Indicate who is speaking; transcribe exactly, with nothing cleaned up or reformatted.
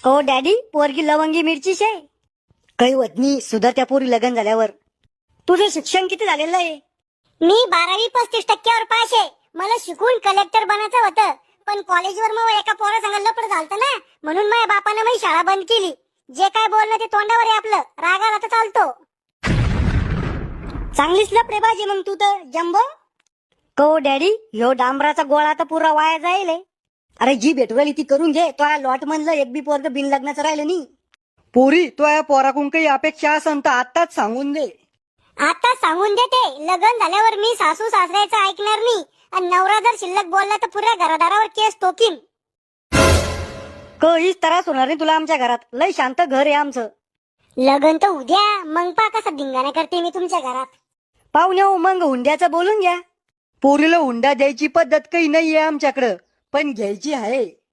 Speaker 1: ओ daddy, पोरगी लवंगी मिरची शे. काही वतनी सुद्धा त्या पोरी लग्न झाल्यावर. तुझं शिक्षण किती झालेलं आहे?
Speaker 2: मी बारावी पस्तीस टक्क्यावर पास आहे. मला शिकून कलेक्टर बनायचं होतं, पण कॉलेजवर मग एका पोरा संग लपड झालतं ना, म्हणून माझ्या बापानं माझी शाळा बंद केली. जे काय बोलणं ते तोंडावर आहे आपलं, रागाला तर चालतो.
Speaker 1: चांगलीच लपडे बाजी मग तू तर जम्बो. को डॅडी, ह्यो डांबराचा गोळा तर पुरा वाया जाईल. अरे जी भेटवली ती करून घे. तो या लॉट म्हणलं एक बी पोरग बिन लग्नाचं राहिलं नाही.
Speaker 3: पोरी तो या पोराकडून काही अपेक्षा असन तर आताच सांगून दे.
Speaker 2: आता सांगून देते, लग्न झाल्यावर मी सासू सासऱ्याचं ऐकणार नाही, आणि नवरा जर शिल्लक बोलला तर पुऱ्या घरादारावर केस टोकीन.
Speaker 1: काहीच त्रास होणार नाही तुला आमच्या घरात. लय शांत घर आहे आमचं.
Speaker 2: लग्न तर उद्या, मग पा कसा धिंगाणा करते मी तुमच्या घरात.
Speaker 1: पाहुणे हो, मग हुंड्याचं बोलून घ्या.
Speaker 3: पोरीला हुंडा द्यायची पद्धत काही नाहीये आमच्याकडं, पण घ्यायची आहे.